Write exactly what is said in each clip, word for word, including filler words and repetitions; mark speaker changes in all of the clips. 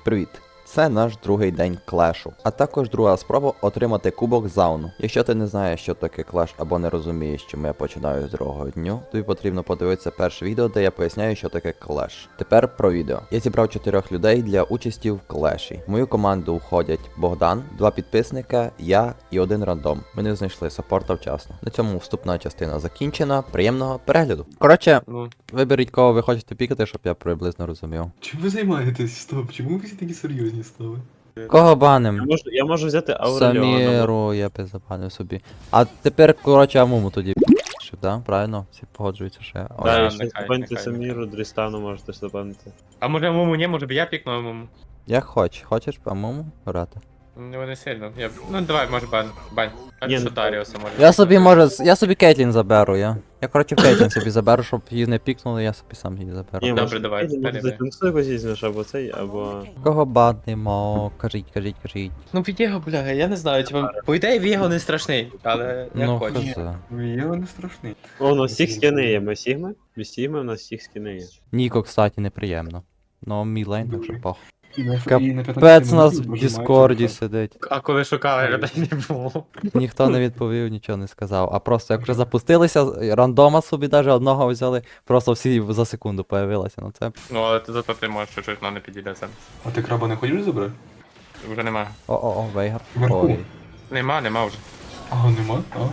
Speaker 1: Привіт! Це наш другий день клешу, а також друга спроба отримати кубок зауну. Якщо ти не знаєш, що таке клеш або не розумієш, чому я починаю з другого дню, тобі потрібно подивитися перше відео, де я поясняю, що таке клеш. Тепер про відео. Я зібрав чотирьох людей для участі в клеші. В мою команду входять Богдан, два підписника, я і один рандом. Ми не знайшли саппорта вчасно. На цьому вступна частина закінчена. Приємного перегляду. Коротше,
Speaker 2: Ну,
Speaker 1: виберіть, кого ви хочете пікати, щоб я приблизно розумів.
Speaker 3: Чим ви займаєтесь? Стоп, чому ви всі такі серйозні стали?
Speaker 1: Кого
Speaker 2: я
Speaker 1: баним?
Speaker 2: можу, я можу взяти Ауреліона.
Speaker 1: Саміру я би забанив собі. А тепер, коротше, Амуму тоді щоб, да? Правильно? Всі погоджуються, що я. Ой.
Speaker 2: Да,
Speaker 4: Да,
Speaker 2: якщо
Speaker 4: нехай,
Speaker 2: забанити
Speaker 4: нехай,
Speaker 2: Саміру, Дрістану можете забанити.
Speaker 4: А може муму не, може б я пікнув муму?
Speaker 1: Як хоч. Хочеш Амуму грати?
Speaker 4: Ну не сильно. Я... Ну давай, може бан. Бань. А
Speaker 2: Ні,
Speaker 4: що
Speaker 2: ну,
Speaker 4: Даріуса може.
Speaker 1: Я собі, може, з- я собі Кейтлін заберу, я. Я, коротше, Кейтлін собі заберу, щоб її не пікнули, я собі сам її заберу.
Speaker 2: Ні,
Speaker 4: Добре,
Speaker 2: може,
Speaker 4: давай,
Speaker 2: Може,
Speaker 4: далі,
Speaker 2: ти танцюй якось візьмеш, або цей, або...
Speaker 1: Кого банимо? Кажіть, кажіть, кажіть.
Speaker 4: Ну Вієго, бля, я не знаю, типа, по ідеї Вієго не страшний, але як
Speaker 1: Ну,
Speaker 4: хочеш.
Speaker 1: хз.
Speaker 3: Я не страшний.
Speaker 2: О, у нас всіх скини є, ми Сігми? Ми Сігми, у нас всіх скини є.
Speaker 1: Ніко, кстати, неприємно. Ну, мій лейн, так що пох.
Speaker 3: І на, і на
Speaker 1: Капець у нас в Діскорді сидить.
Speaker 4: А коли шукали, людей не було.
Speaker 1: Ніхто не відповів, нічого не сказав. А просто як вже запустилися, рандома собі навіть одного взяли, просто всі за секунду появилися. Ну це.
Speaker 4: Ну але ти зато ти можеш чуть-чуть на не підійдеться.
Speaker 3: А ти краба не хочеш забрати?
Speaker 4: Вже нема.
Speaker 1: О-о-о, Вейгар.
Speaker 3: Вверху.
Speaker 1: Ой.
Speaker 4: Нема, нема вже.
Speaker 3: А, нема? А.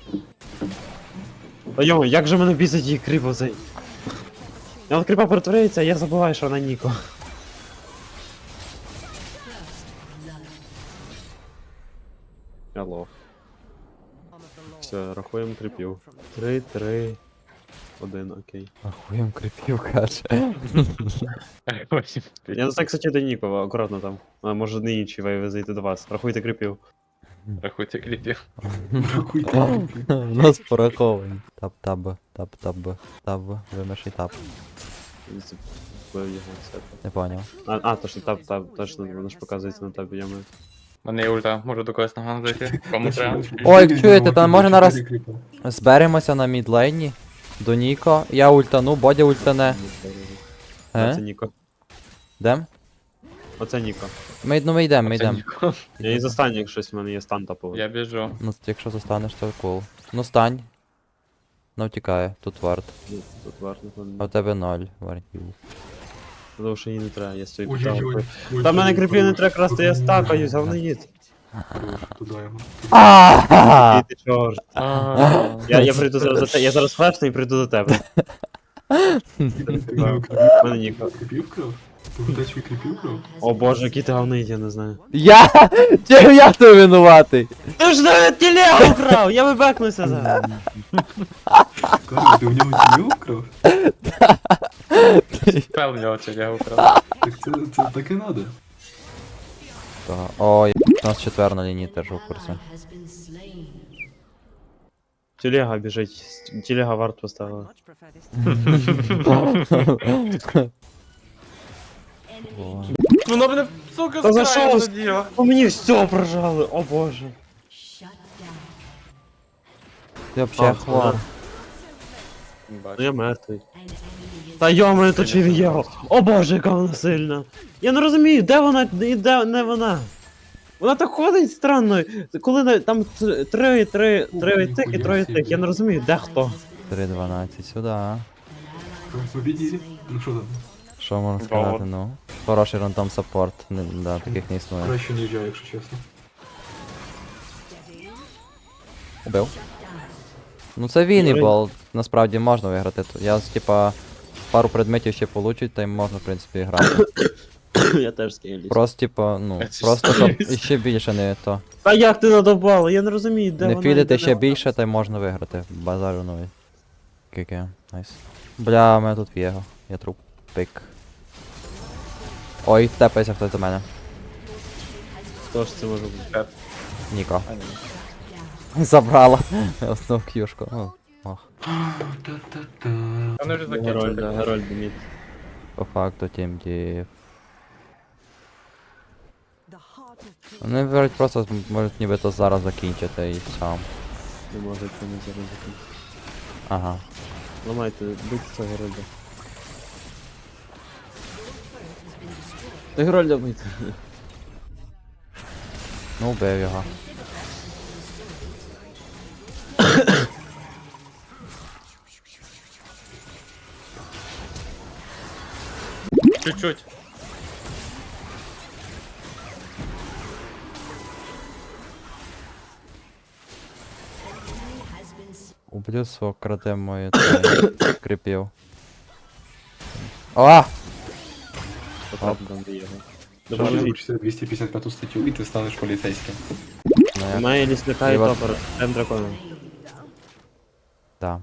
Speaker 2: Та йому, як же мене бісить її кріпо цей? Я от кріпа перетворюється, а я забуваю, що вона Ніко. Алло. Все, рахуємо кріпів. Три, три, один, окей.
Speaker 1: Ахуєм крипів, каже.
Speaker 2: Я не знаю, кстати, до Нікова, акуратно там. А може не інші вейви зайти до вас. Рахуйте кріпів.
Speaker 4: Рахуйте кліпів.
Speaker 3: Рахуйте.
Speaker 1: У нас пораховані. Тап-таб, тап-таб, таб, вимиший тап.
Speaker 2: Бив його, все.
Speaker 1: Не поняв.
Speaker 2: А, а, то що таб, таб, точно, воно ж показується на табі, я маю.
Speaker 4: У мене є ульта, можу до когось наган зайти. Кому треба?
Speaker 1: Ой, чуєте, там може нараз- Зберемося на мідлейні. До Ніко. Я ультану, Бодя ультане.
Speaker 2: Оце
Speaker 1: Е?
Speaker 2: Ніко.
Speaker 1: Дем?
Speaker 2: Оце Ніко.
Speaker 1: Ми, ну ми йдемо, ми
Speaker 4: Це
Speaker 1: йдемо.
Speaker 4: ніхто.
Speaker 2: Я і застаню, як щось в мене є стан таповий.
Speaker 4: Я біжу.
Speaker 1: Ну, якщо застанеш, то кул. Ну стань. Ну втікає, тут варт.
Speaker 2: Тут важно,
Speaker 1: А у тебе ноль вартів.
Speaker 2: тому що їй не треба, я стою
Speaker 3: Ой-ой-ой.
Speaker 2: під Та в мене кріпів не треба красти, я стакаюсь, говноїд.
Speaker 3: Туди йому.
Speaker 1: Ааа!
Speaker 2: Ти чорт. Я, я прийду зараз до тебе, я зараз флешну і прийду до тебе. В мене Ніко.
Speaker 3: Кріпів кров? Погадай, свій кріпів кров?
Speaker 2: О боже, який ти говноїд, я не знаю.
Speaker 1: Я! Чого я то винуватий?
Speaker 2: Ти ж навіть телегу вкрав, я вибекнуся зараз.
Speaker 3: Кажеш, ти в нього тілів кров?
Speaker 4: Спел в нього це я украв.
Speaker 3: Так це, це так і надо.
Speaker 1: Та, ой, у нас четвер на лінії теж у курсі.
Speaker 2: Телега біжить, телега варт поставила.
Speaker 1: О,
Speaker 4: Ну мене, сука,
Speaker 2: Та за
Speaker 4: з краю
Speaker 2: що?
Speaker 4: заділо.
Speaker 2: По мені все прожали, о боже.
Speaker 1: Ти взагалі
Speaker 2: А,
Speaker 1: хвор.
Speaker 2: Ну я мертвий. Та йома, то чи Вієго. О боже, яка вона сильна. Я не розумію, де вона і де не вона. Вона так ходить странно. Коли на- там т- три, три, три тих і троє тих, я не розумію, де хто.
Speaker 1: три дванадцять сюди.
Speaker 3: Побіділі? Ну що там?
Speaker 1: Що можна
Speaker 4: Вау.
Speaker 1: сказати, ну? Хороший рандом саппорт, не, да, таких не існує.
Speaker 3: Краще ніж я, якщо чесно.
Speaker 1: Убив. Ну це вінібол, насправді можна виграти. Я, типа, пару предметів ще получить, та й можна, в принципі, грати.
Speaker 2: Я теж скейлюсь.
Speaker 1: Просто, типа, ну,
Speaker 4: Я
Speaker 1: просто щоб
Speaker 4: чисто
Speaker 1: іще більше не то.
Speaker 2: Та як ти надобала? Я не розумію, де
Speaker 1: Не
Speaker 2: вона. і де
Speaker 1: фідити
Speaker 2: не
Speaker 1: ще
Speaker 2: вона.
Speaker 1: більше, та й можна виграти. Базарю новий. Кіке, найс. Бля, у мене тут Вєго. Я труп. Пик. Ой, тепається хтось до мене.
Speaker 2: Хто ж це може бути?
Speaker 1: Ніко. Забрала. Основну к'юшку. Ну, ох.
Speaker 3: Та-та-та.
Speaker 4: Вони вже
Speaker 2: Герольд,
Speaker 4: закінчили.
Speaker 2: Герольд Деміт.
Speaker 1: По факту тім дів. Вони виберуть просто можуть нібито зараз закінчити і все.
Speaker 2: Не може це не зараз закінчити.
Speaker 1: Ага.
Speaker 2: Ламайте, бийте цього Герольда. Герольда вбити.
Speaker 1: Ну, вбив його.
Speaker 4: Чуть-чуть.
Speaker 1: Уб'ю свого краде мою цей, кріпів. А!
Speaker 2: Потрапив до його.
Speaker 3: Що
Speaker 2: Допоможіть.
Speaker 3: вивчити двісті п'ятдесят п'яту статтю і ти станеш поліцейським.
Speaker 1: Ну, я...
Speaker 2: Має лісника і
Speaker 1: І от-
Speaker 2: топор. М дракона.
Speaker 1: Да.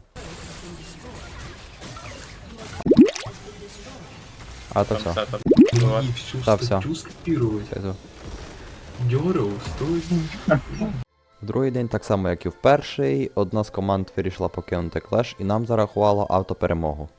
Speaker 1: А, то
Speaker 4: Там
Speaker 1: все.
Speaker 4: все там.
Speaker 3: І
Speaker 4: Буває.
Speaker 3: всю
Speaker 1: Та, все.
Speaker 3: статтю скопірувати.
Speaker 1: Все, йду.
Speaker 3: Дьоров, стой.
Speaker 1: В другий день, так само як і в перший, одна з команд вирішила покинути клеш і нам зарахувало автоперемогу.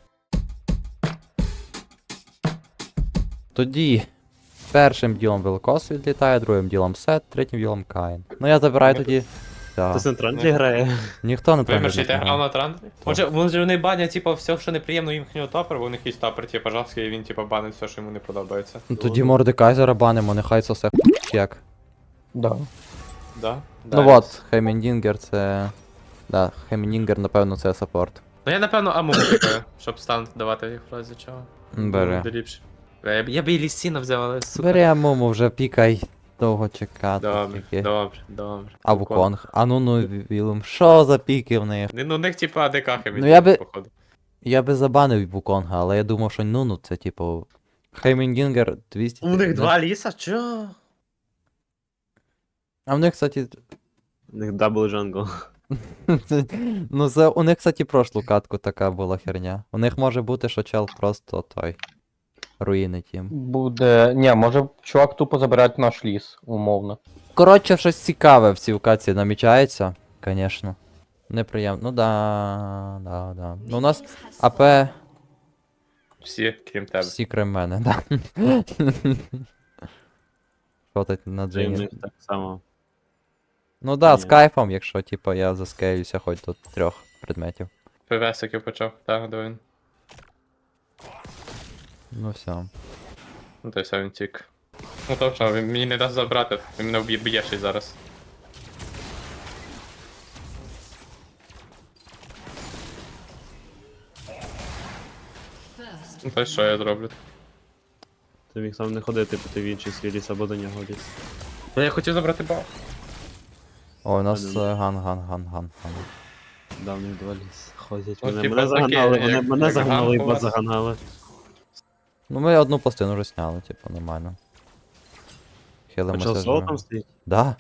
Speaker 1: Тоді першим ділом Великос відлітає, другим ділом Сет, третім ділом Каїн. Ну я забираю тоді.
Speaker 2: Хто
Speaker 1: Так.
Speaker 2: центральний грає?
Speaker 1: Ніхто не
Speaker 4: Вимерший, ти
Speaker 1: грає.
Speaker 4: грав на трандрі? Може, може вони банять, типу, все, що неприємно їхнього топера, бо у них є топер, типу, жорсткий, і він, типу, банить все, що йому не подобається.
Speaker 1: Ну, тоді Мордекайзера банимо, нехай сосе як.
Speaker 5: Да.
Speaker 4: Да?
Speaker 1: Ну от, Хемендінгер це. Да, Хемендінгер, напевно, це саппорт.
Speaker 4: Ну я, напевно, аму купив, щоб стан давати в разі чого.
Speaker 1: Бери.
Speaker 4: Буде ліпше. Я, б- я б і лісіна взяв, але сука.
Speaker 1: Бери Амуму, вже пікай. Довго чекати.
Speaker 4: Добре,
Speaker 1: тільки.
Speaker 4: добре, добре.
Speaker 1: А Вуконг. А ну ну Вілум. Що за піки в них?
Speaker 4: Ну, у них, типу, АДК
Speaker 1: Ну, я би-
Speaker 4: походу.
Speaker 1: Я би забанив Вуконга, але я думав, що ну ну це типу. Хеймендінгер двісті.
Speaker 4: У них два ліса, чо?
Speaker 1: А в них, кстати.
Speaker 2: У них дабл джангл.
Speaker 1: Ну, це у них, кстати, прошлу катку така була херня. У них може бути, що чел просто той. Руїнить їм.
Speaker 5: Буде. Ні, може чувак тупо забирати наш ліс, умовно.
Speaker 1: Коротше, щось цікаве в цій катці намічається, звісно. Неприємно. Ну да, да, да. Ну у нас АП
Speaker 4: Всі, крім тебе.
Speaker 1: всі крім мене, да. Шотить на
Speaker 2: Це в
Speaker 1: Джині.
Speaker 2: них так само.
Speaker 1: Ну да, з
Speaker 2: Ні.
Speaker 1: кайфом, якщо типу я заскеюся хоч до трьох предметів.
Speaker 4: ПВСиків почав, так, до він.
Speaker 1: Ну все.
Speaker 4: Ну то все, він тік. Ну то що, він мені не дасть забрати, він мене вб'є б'є ще й зараз. Ну то й що я зроблю?
Speaker 2: Ти міг сам не ходити, бо ти в інший свій ліс або до нього ліс.
Speaker 4: Та я хотів забрати баф.
Speaker 1: О, у нас
Speaker 2: Ладно.
Speaker 1: е, ган, ган, ган, ган, ган.
Speaker 2: Да, в них два ліс. Ходять.
Speaker 4: Ну,
Speaker 2: Мене,
Speaker 4: типа,
Speaker 2: мене
Speaker 4: таке,
Speaker 2: заганали, вони
Speaker 4: як-
Speaker 2: мене
Speaker 4: як
Speaker 2: заганали і
Speaker 4: ган у
Speaker 2: бот
Speaker 4: вас.
Speaker 2: заганали.
Speaker 1: Ну ми одну пластину вже сняли, типу, нормально.
Speaker 2: А
Speaker 1: Хилимося.
Speaker 2: чел соло
Speaker 1: живемо.
Speaker 2: там стоїть?
Speaker 1: Да.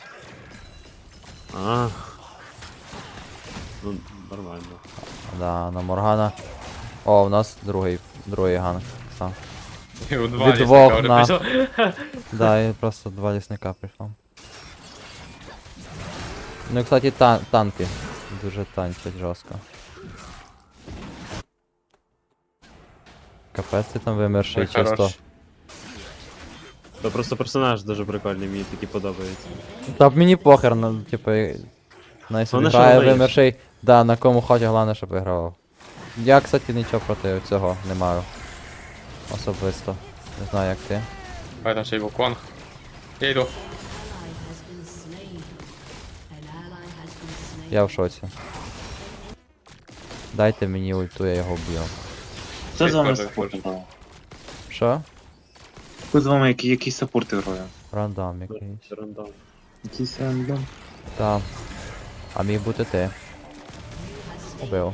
Speaker 2: А. Ну, нормально.
Speaker 1: Да, на Моргана. О, у нас другий, другий ганг. Сам.
Speaker 4: І у два
Speaker 1: Від
Speaker 4: лісника
Speaker 1: двох
Speaker 4: вже
Speaker 1: на-
Speaker 4: пішов.
Speaker 1: Да, і просто два лісника прийшло. Ну і, кстати, тан танки. Дуже танчать жорстко. Капець ти там вимерший
Speaker 4: Ой,
Speaker 1: чисто.
Speaker 4: хорош.
Speaker 2: То просто персонаж дуже прикольний, мені такі подобається.
Speaker 1: Та мені похер, ну, типу, най собі
Speaker 2: Головне, що
Speaker 1: грає
Speaker 2: виграєш.
Speaker 1: вимерший. Да, на кому хоче, головне, щоб вигравав. Я, кстати, нічого проти цього не маю. Особисто. Не знаю, як ти.
Speaker 4: Ой, там ще й Вуконг. Я йду.
Speaker 1: Я в шоці. Дайте мені ульту, я його вб'ю.
Speaker 6: Хто з вами
Speaker 4: Теж
Speaker 6: саппорт
Speaker 4: теж.
Speaker 6: грає?
Speaker 1: Що?
Speaker 6: Хто з вами який, який саппорт грає?
Speaker 1: Рандом якийсь.
Speaker 2: Це рандом.
Speaker 6: Якийсь рандом.
Speaker 1: Так. А міг бути ти. Убив.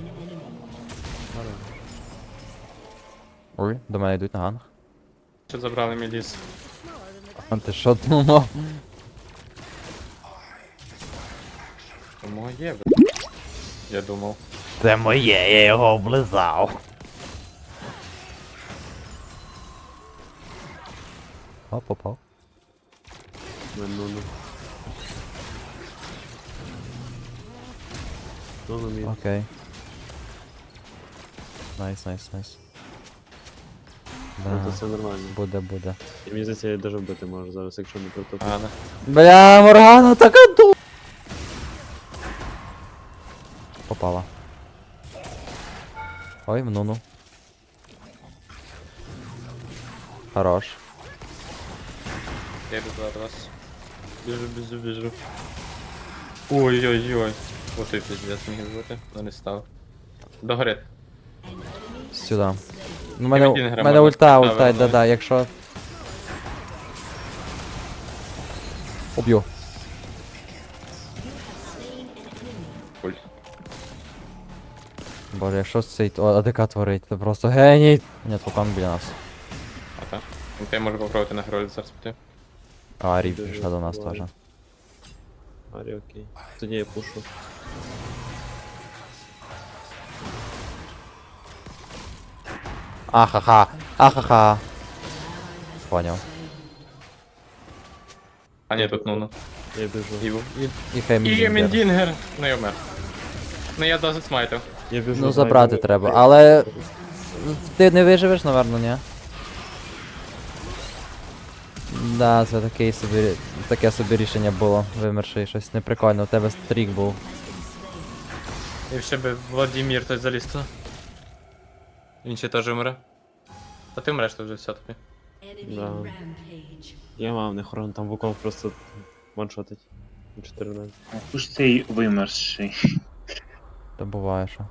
Speaker 1: Ой, до мене йдуть на ганг.
Speaker 4: Що забрали мій ліс?
Speaker 1: А ти що думав?
Speaker 4: Тому є, б***. Я думав.
Speaker 1: Це моє, я його облизав. О, попав.
Speaker 2: Ну, ну, ну. Ну, ну, мій.
Speaker 1: Окей. Найс, найс, найс.
Speaker 2: Ну, то
Speaker 1: Да,
Speaker 2: все нормально.
Speaker 1: буде, буде.
Speaker 2: І мені здається, я даже вбити можу зараз, якщо не протопити.
Speaker 4: А, не.
Speaker 1: Бля, Моргана така ду. Попала. Ой, в нуну. Хорош.
Speaker 4: Я йду до вас. Біжу, біжу, біжу. Ой-ой-ой. Ось той пиздец міг бути, но не став. Догорить.
Speaker 1: Сюди. У мене,
Speaker 4: один
Speaker 1: у
Speaker 4: грам
Speaker 1: мене
Speaker 4: можна
Speaker 1: ульта,
Speaker 4: поставити,
Speaker 1: ульта,
Speaker 4: ну.
Speaker 1: да-да, якщо... Уб'ю.
Speaker 4: Пуль.
Speaker 1: Боже, якщо цей АДК творить, це просто геній. Ні, Тукан біля нас.
Speaker 4: А так. Ну, ти можеш попробувати на Герольд зараз піти.
Speaker 1: А, Рів пішла до нас теж.
Speaker 2: Арі, окей. Тоді я пушу.
Speaker 1: Ахаха, ахаха. Поняв.
Speaker 4: А ні, тут ну-ну.
Speaker 2: Я біжу.
Speaker 4: Іву.
Speaker 1: І хай
Speaker 4: І
Speaker 1: мені.
Speaker 4: Мендінгер. Ну я вмер. Ну я досить смайтив.
Speaker 2: Я біжу.
Speaker 1: Ну
Speaker 2: знаю,
Speaker 1: забрати
Speaker 2: біжу.
Speaker 1: треба, але... Ти не виживеш, напевно, ні? Да, це такий собі, таке собі рішення було, вимерши щось неприкольно, у тебе стрік був.
Speaker 4: І ще би Владимир той заліз туди. Він ще теж вмре. Та ти вмреш то вже все тобі.
Speaker 2: Да. Я мав не хорон, там вуком просто ваншотить. чотири нуль.
Speaker 6: Хто ж цей вимерший?
Speaker 1: То буває, що.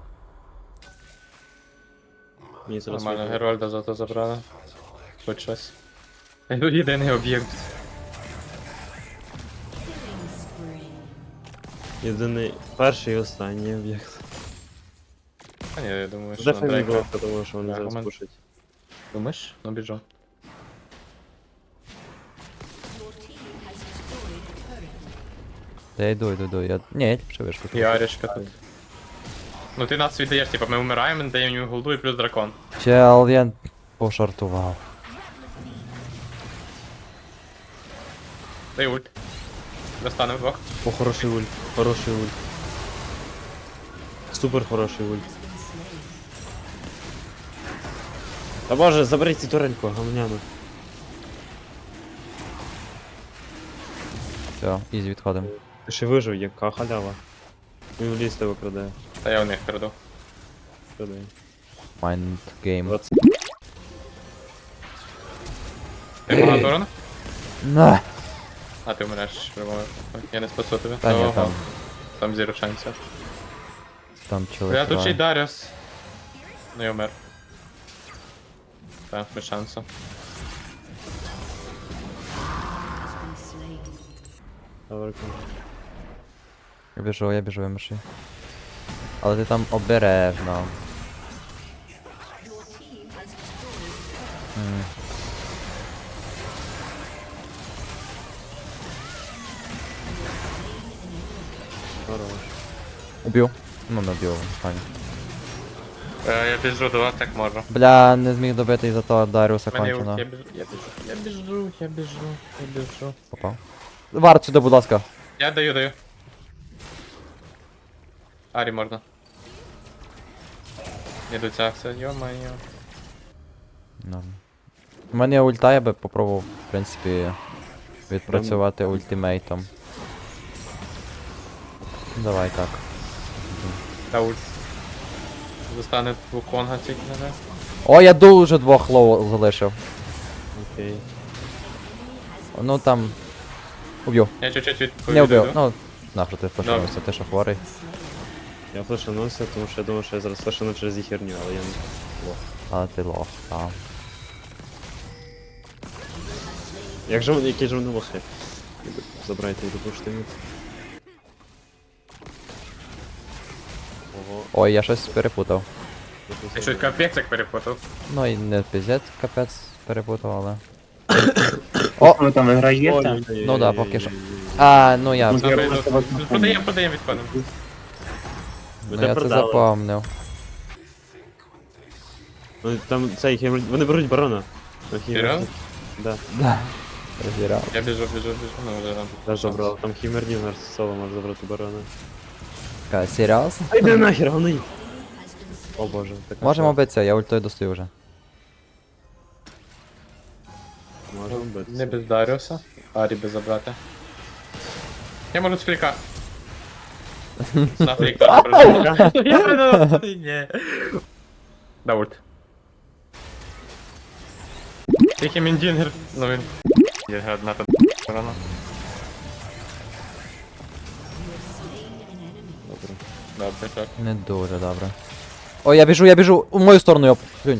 Speaker 2: Мені зараз
Speaker 4: Нормально,
Speaker 2: вийде.
Speaker 4: Герольда зато забрали. Хоч щось. Єдиний об'єкт.
Speaker 2: Єдиний перший і останній об'єкт.
Speaker 4: А ні, я думаю, що
Speaker 2: Де
Speaker 4: на
Speaker 2: фамілія,
Speaker 4: Дрейка.
Speaker 2: тому що вони
Speaker 4: Да,
Speaker 2: зараз
Speaker 4: момент.
Speaker 2: пушать.
Speaker 4: Думаєш? Ну біжу.
Speaker 1: Я йду, йду, йду, я... Ні, я ще вишку.
Speaker 4: І Арішка тут. Ну ти нас віддаєш, типа ми вмираємо, даємо їм голду і плюс дракон.
Speaker 1: Чел, я пошартував.
Speaker 4: Дай ульт. Достанемо двох.
Speaker 2: О, хороший ульт, хороший ульт. Супер хороший ульт. Та боже, заберіть цю турельку, гамняну.
Speaker 1: Все, ізі відходимо.
Speaker 2: Ти ще вижив, яка халява. Він в ліс тебе крадає.
Speaker 4: Та я у них краду.
Speaker 2: Крадає.
Speaker 1: Mind game.
Speaker 2: двадцять.
Speaker 4: Ти багато урона?
Speaker 1: На!
Speaker 4: А ти вмреш в любому випадку. Я не спасу тебе.
Speaker 1: Та ні,
Speaker 4: Ого.
Speaker 1: там,
Speaker 4: Там зіро шансів.
Speaker 1: там чоловік.
Speaker 4: Я тут ще й Даріус. Ну я вмер. Так, без шансу.
Speaker 2: Добре,
Speaker 1: Я біжу, я біжу, вимерши. Але ти там обережно. М.
Speaker 2: хорош.
Speaker 1: Уб'ю. Ну, не вб'ю, файно.
Speaker 4: Е, я біжу до вас, як можу.
Speaker 1: Бля, не зміг добити із-за того Даріуса
Speaker 4: Мене ульт,
Speaker 1: кончено.
Speaker 4: я біжу, я біжу, я біжу, я біжу, я біжу.
Speaker 1: Попав. Варт сюди, будь ласка.
Speaker 4: Я даю, даю. Арі можна. Іду ця акція, йо-моє.
Speaker 1: Норм. У мене є ульта, я би попробував, в принципі, відпрацювати ультимейтом. Давай так.
Speaker 4: Та ульт. Застане Вуконга тільки не знаю.
Speaker 1: О, я дуже двох лоу залишив.
Speaker 2: Окей.
Speaker 1: Ну там. Уб'ю.
Speaker 4: Я чуть-чуть
Speaker 1: Не
Speaker 4: відповідаю.
Speaker 1: вбив. Ну, нахуй ти флешнувся, ти що хворий.
Speaker 2: Я флешанувся, тому що я думав, що я зараз флешану через їх херню, але я не лох.
Speaker 1: Але ти лох, так.
Speaker 2: Як же вони, які ж вони лохи? Забирайте і допушити мід. Ого,
Speaker 1: Ой, я щось перепутав.
Speaker 4: Я щось капець як перепутав.
Speaker 1: Ну і не піздець, капець перепутав, але.
Speaker 6: О, ви там виграєте?
Speaker 2: Ой-ой-ой-ой-ой-ой-ой-ой-ой.
Speaker 1: Ну да, поки що. А, ну я.
Speaker 6: Ну,
Speaker 4: Добре,
Speaker 6: Я
Speaker 4: йду.
Speaker 6: просто вас не
Speaker 4: Продаємо, продаємо, відходимо.
Speaker 1: Ну,
Speaker 2: Мене
Speaker 1: я це
Speaker 2: продали.
Speaker 1: запомнив.
Speaker 2: Ну, там цей хімер... Вони беруть барона. Ну, хімер-
Speaker 4: Серйозно?
Speaker 2: Да,
Speaker 1: Да. Розірав.
Speaker 4: Я біжу, біжу, біжу. Ну, вже там.
Speaker 2: теж забрав. Там хімер Дінгер соло може забрати барона.
Speaker 1: Ка, серйозно?
Speaker 2: Ай, де нахер, вони! О боже, така
Speaker 1: Можемо
Speaker 2: шо.
Speaker 1: битися, я ультою достаю вже.
Speaker 2: Можемо битися.
Speaker 4: Не без Даріуса. Арі би забрати. Я можу з фліка. На флік теж прожив. Я не ні. Да ульт. Тільки Міндінгер, ну він... Є одна там. Рано. Добре, так.
Speaker 1: Не дуже добре. О, я біжу, я біжу! У мою сторону, йоп! Плюнь.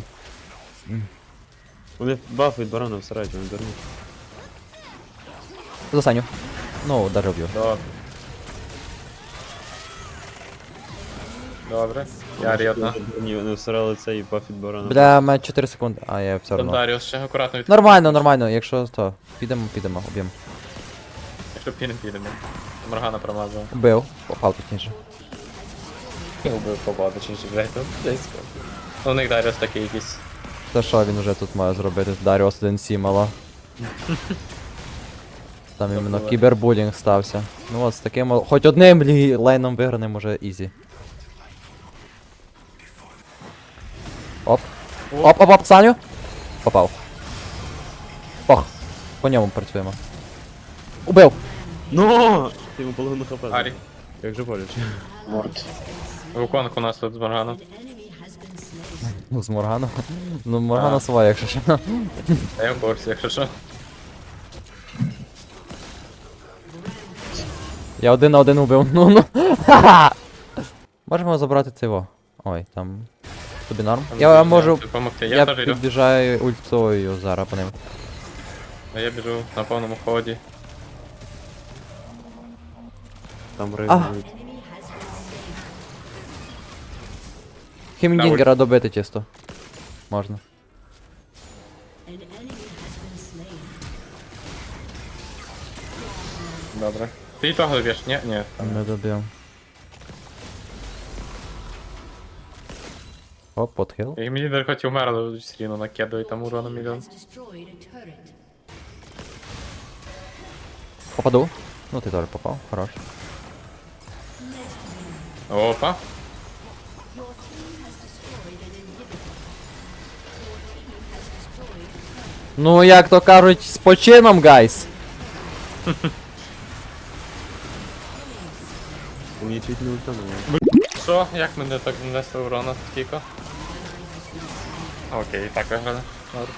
Speaker 2: Вони баф від барона всирають, вони дурні.
Speaker 1: За Саню. Ну, даже вб'ю.
Speaker 4: Добре. Добре. Я рідна.
Speaker 2: Ні, вони всирали цей баф від барона.
Speaker 1: Бля, мене чотири секунди. А, я все
Speaker 4: Там
Speaker 1: одно.
Speaker 4: Даріус ще акуратно від...
Speaker 1: Нормально, нормально, якщо то. Підемо, підемо, уб'ємо.
Speaker 4: Якщо підемо, підемо. Моргана промазала.
Speaker 1: Убив. Попав точніше.
Speaker 4: Я вбив побаду, чи ж блядь, тут близько. Ну, у них Даріус такий якийсь.
Speaker 1: Та що він вже тут має зробити? Даріус один сі мало. Там іменно
Speaker 4: Забула.
Speaker 1: кібербулінг стався. Ну от з таким о- хоч одним лі- лейном виграним уже ізі. Оп. Оп, оп, оп, Саню. Попав. Ох. По ньому працюємо. Убив!
Speaker 2: Ну! Ти йому половину хп.
Speaker 4: Арі.
Speaker 2: Як же боляче.
Speaker 6: Ворд.
Speaker 4: Вуконг у нас тут з Морганом.
Speaker 1: Ну, з Морганом. Ну, Моргана
Speaker 4: А.
Speaker 1: своя, якщо що.
Speaker 4: А я в курсі, якщо що.
Speaker 1: Я один на один убив. Ну, ну. Ха-ха! Можемо забрати цього. Ой, там. Тобі норм?
Speaker 4: Там
Speaker 1: Я
Speaker 4: дуже
Speaker 1: можу.
Speaker 4: допомогти. Я,
Speaker 1: Я
Speaker 4: теж йду.
Speaker 1: підбіжаю ультою зараз по ним.
Speaker 4: А я біжу на повному ході.
Speaker 2: Там
Speaker 1: А.
Speaker 2: рейвують.
Speaker 1: Хімдінгера добити чисто. Можна.
Speaker 4: Добре. Ти і того доб'єш? Ні, ні.
Speaker 1: Не добив. Оп, подхил.
Speaker 4: І мені даже хоч і вмерло, все рівно накидує там урону мільйон.
Speaker 1: Попаду. Ну ти теж попав, хорош.
Speaker 4: Опа.
Speaker 1: Ну як то кажуть, з почином, гайс.
Speaker 2: Ти мені чуть не ультануло.
Speaker 4: Що? Як мене так нанесли урона скільки? Окей, так виграли. Добре.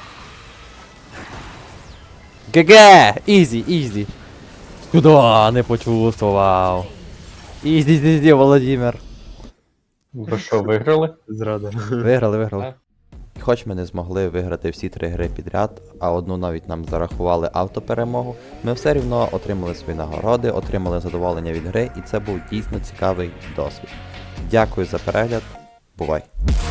Speaker 1: ГГ! Ізі, ізі. Куда не почувствував. Ізі, ізі, Володимир.
Speaker 5: Ви що, виграли?
Speaker 2: Зрада.
Speaker 1: Виграли, виграли.
Speaker 4: Так.
Speaker 1: Хоч ми не змогли виграти всі три гри підряд, а одну навіть нам зарахували автоперемогу, ми все рівно отримали свої нагороди, отримали задоволення від гри, і це був дійсно цікавий досвід. Дякую за перегляд. Бувай!